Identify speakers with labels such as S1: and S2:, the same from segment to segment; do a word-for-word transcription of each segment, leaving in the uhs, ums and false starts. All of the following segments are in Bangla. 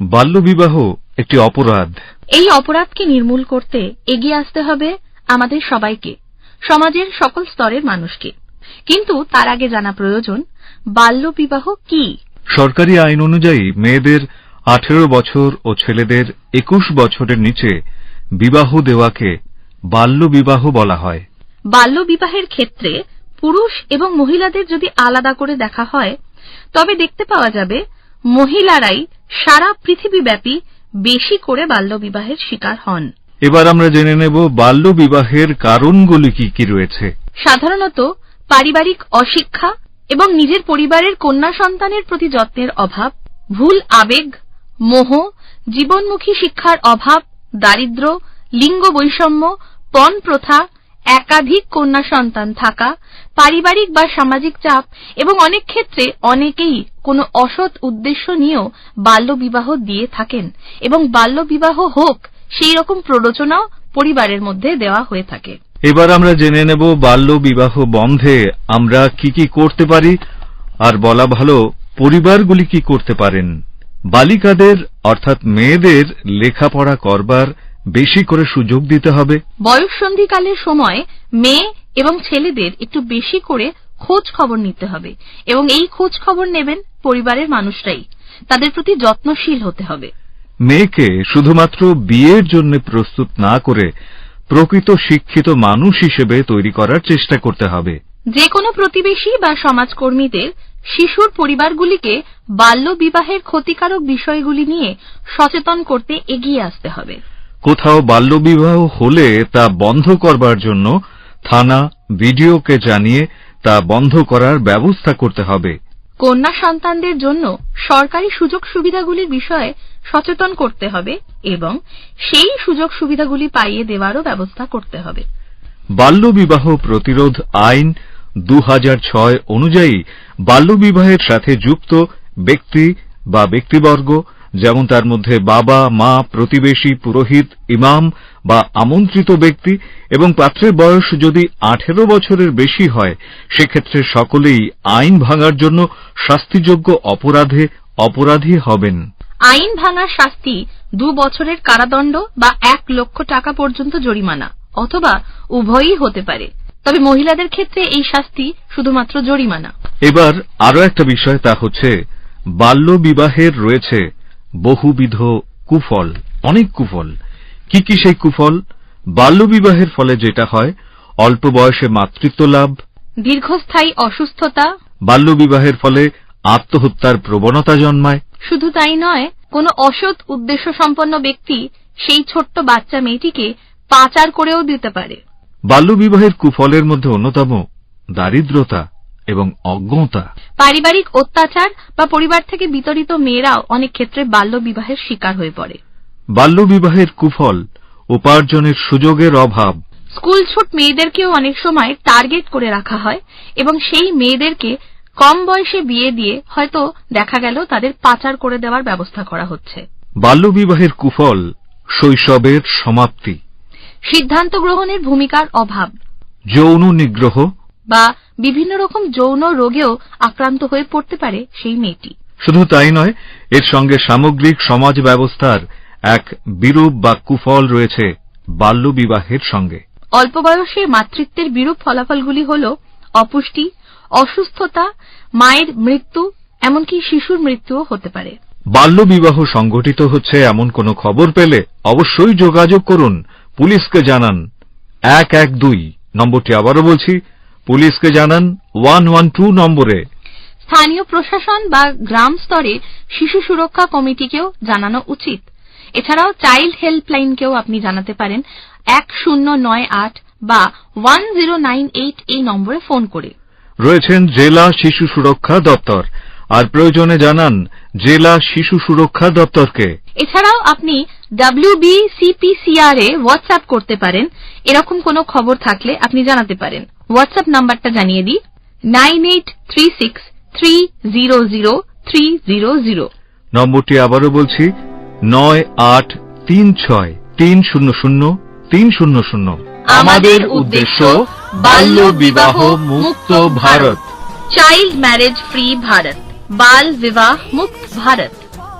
S1: বাল্যবিবাহ একটি অপরাধ।
S2: এই অপরাধকে নির্মূল করতে এগিয়ে আসতে হবে আমাদের সবাইকে, সমাজের সকল স্তরের মানুষকে। কিন্তু তার আগে জানা প্রয়োজন বাল্যবিবাহ কি।
S1: সরকারি আইন অনুযায়ী মেয়েদের আঠেরো বছর ও ছেলেদের একুশ বছরের নিচে বিবাহ দেওয়াকে বাল্যবিবাহ বলা হয়।
S2: বাল্যবিবাহের ক্ষেত্রে পুরুষ এবং মহিলাদের যদি আলাদা করে দেখা হয় তবে দেখতে পাওয়া যাবে মহিলারাই সারা পৃথিবীব্যাপী বেশি করে বাল্যবিবাহের শিকার হন।
S1: এবার আমরা জেনে নেব বাল্যবিবাহের কারণগুলি কি কি রয়েছে।
S2: সাধারণত পারিবারিক অশিক্ষা এবং নিজের পরিবারের কন্যা সন্তানের প্রতি যত্নের অভাব, ভুল আবেগ, মোহ, জীবনমুখী শিক্ষার অভাব, দারিদ্র্য, লিঙ্গ বৈষম্য, পণ প্রথা, একাধিক কন্যা সন্তান থাকা, পারিবারিক বা সামাজিক চাপ এবং অনেক ক্ষেত্রে অনেকেই কোনো অসৎ উদ্দেশ্য নিয়েও বাল্যবিবাহ দিয়ে থাকেন এবং বাল্যবিবাহ হোক সেই রকম প্ররোচনাও পরিবারের মধ্যে দেওয়া হয়ে থাকে।
S1: এবার আমরা জেনে নেব বাল্যবিবাহ বন্ধে আমরা কি কি করতে পারি, আর বলা ভালো পরিবারগুলি কি করতে পারেন। বালিকাদের অর্থাৎ মেয়েদের লেখাপড়া করবার বেশি করে সুযোগ দিতে হবে।
S2: বয়ঃসন্ধিকালের সময় মেয়ে এবং ছেলেদের একটু বেশি করে খোঁজ খবর নিতে হবে এবং এই খোঁজ খবর নেবেন পরিবারের মানুষরাই। তাদের প্রতি যত্নশীল হতে হবে।
S1: মেয়েকে শুধুমাত্র বিয়ের জন্য প্রস্তুত না করে প্রকৃত শিক্ষিত মানুষ হিসেবে তৈরি করার চেষ্টা করতে হবে।
S2: যে কোনো প্রতিবেশী বা সমাজকর্মীদের শিশুর পরিবারগুলিকে বাল্যবিবাহের ক্ষতিকারক বিষয়গুলি নিয়ে সচেতন করতে এগিয়ে আসতে হবে।
S1: কোথাও বাল্যবিবাহ হলে তা বন্ধ করবার জন্য থানা বিডিওকে জানিয়ে তা বন্ধ করার ব্যবস্থা করতে হবে।
S2: কন্যা সন্তানদের জন্য সরকারি সুযোগ সুবিধাগুলির বিষয়ে সচেতন করতে হবে এবং সেই সুযোগ সুবিধাগুলি পাইয়ে দেওয়ারও ব্যবস্থা করতে হবে।
S1: বাল্যবিবাহ প্রতিরোধ আইন দু হাজার ছয় অনুযায়ী বাল্যবিবাহের সাথে যুক্ত ব্যক্তি বা ব্যক্তিবর্গ, যেমন তার মধ্যে বাবা, মা, প্রতিবেশী, পুরোহিত, ইমাম বা আমন্ত্রিত ব্যক্তি এবং পাত্রের বয়স যদি আঠেরো বছরের বেশি হয়, সেক্ষেত্রে সকলেই আইন ভাঙার জন্য শাস্তিযোগ্য অপরাধে অপরাধী হবেন।
S2: আইন ভাঙার শাস্তি দু বছরের কারাদণ্ড বা এক লক্ষ টাকা পর্যন্ত জরিমানা অথবা উভয়ই হতে পারে, তবে মহিলাদের ক্ষেত্রে এই শাস্তি শুধুমাত্র জরিমানা।
S1: এবার আরো একটা বিষয়, তা হচ্ছে বাল্যবিবাহের রয়েছে বহুবিধ কুফল, অনেক কুফল। কি কি সেই কুফল? বাল্যবিবাহের ফলে যেটা হয়, অল্প বয়সে মাতৃত্ব লাভ,
S2: দীর্ঘস্থায়ী অসুস্থতা,
S1: বাল্যবিবাহের ফলে আত্মহত্যার প্রবণতা জন্মায়।
S2: শুধু তাই নয়, কোনো অসৎ উদ্দেশ্য সম্পন্ন ব্যক্তি সেই ছোট্ট বাচ্চা মেয়েটিকে পাচার করেও দিতে পারে।
S1: বাল্যবিবাহের কুফলের মধ্যে অন্যতম দারিদ্রতা এবং অজ্ঞতা।
S2: পারিবারিক অত্যাচার বা পরিবার থেকে বিতাড়িত মেয়েরাও অনেক ক্ষেত্রে বাল্যবিবাহের শিকার হয়ে পড়ে।
S1: বাল্যবিবাহের কুফল উপার্জনের সুযোগের অভাব।
S2: স্কুলছুট মেয়েদেরকেও অনেক সময় টার্গেট করে রাখা হয় এবং সেই মেয়েদেরকে কম বয়সে বিয়ে দিয়ে হয়তো দেখা গেল তাদের পাচার করে দেওয়ার ব্যবস্থা করা হচ্ছে।
S1: বাল্যবিবাহের কুফল শৈশবের সমাপ্তি,
S2: সিদ্ধান্ত গ্রহণের ভূমিকার অভাব,
S1: যৌন নিগ্রহ
S2: বা বিভিন্ন রকম যৌন রোগেও আক্রান্ত হয়ে পড়তে পারে সেই মেয়েটি।
S1: শুধু তাই নয়, এর সঙ্গে সামগ্রিক সমাজ ব্যবস্থার এক বিরূপ বা কুফল রয়েছে বাল্যবিবাহের সঙ্গে।
S2: অল্প বয়সে মাতৃত্বের বিরূপ ফলাফলগুলি হল অপুষ্টি, অসুস্থতা, মায়ের মৃত্যু, এমনকি শিশুর মৃত্যুও হতে পারে।
S1: বাল্যবিবাহ সংঘটিত হচ্ছে এমন কোনো খবর পেলে অবশ্যই যোগাযোগ করুন, পুলিশকে জানান। এক এক দুই নম্বরটি আবারও বলছি, পুলিশকে জানান ওয়ান ওয়ান টু নম্বরে।
S2: স্থানীয় প্রশাসন বা গ্রাম স্তরে শিশু সুরক্ষা কমিটিকেও জানানো উচিত। এছাড়াও চাইল্ড হেল্পলাইনকেও আপনি জানাতে পারেন এক শূন্য নয় আট বা ওয়ান জিরো নাইন এইট এই নম্বরে ফোন করে।
S1: রয়েছেন জেলা শিশু সুরক্ষা দপ্তর, আর প্রয়োজনে জানান জেলা শিশু সুরক্ষা দপ্তরকে।
S2: এছাড়াও আপনি W B C P C R এ হোয়াটসঅ্যাপ করতে পারেন। এরকম কোনো খবর থাকলে আপনি জানাতে পারেন। হোয়াটসঅ্যাপ নাম্বারটা জানিয়ে দিই, nine eight three six three zero zero three zero zero.
S1: নম্বরটি আবারও বলছি, নয় আট তিন ছয় তিন শূন্য শূন্য তিন শূন্য শূন্য।
S2: আমাদের উদ্দেশ্য বাল্য বিবাহ মুক্ত Bharat, child marriage free Bharat, বাল বিবাহ মুক্ত Bharat.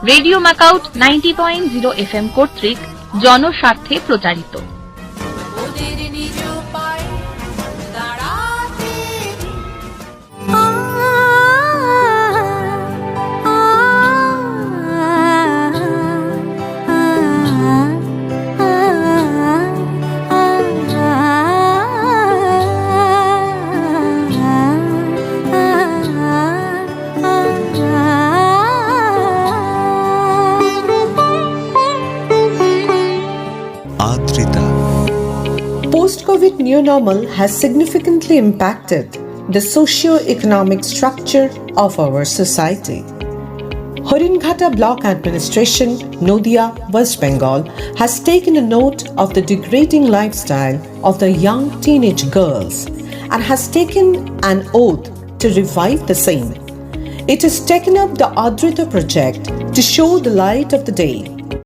S2: Radio MAKAUT ninety point zero F M কর্তৃক জনস্বার্থে প্রচারিত।
S3: ওদের নিজ পায়ে দাঁড়াতে
S4: Adrita.
S5: Post-COVID new normal has significantly impacted the socio-economic structure of our society. Horinghata Block Administration, Nodia, West Bengal, has taken a note of the degrading lifestyle of the young teenage girls and has taken an oath to revive the same. It has taken up the Adrita project to show the light of the day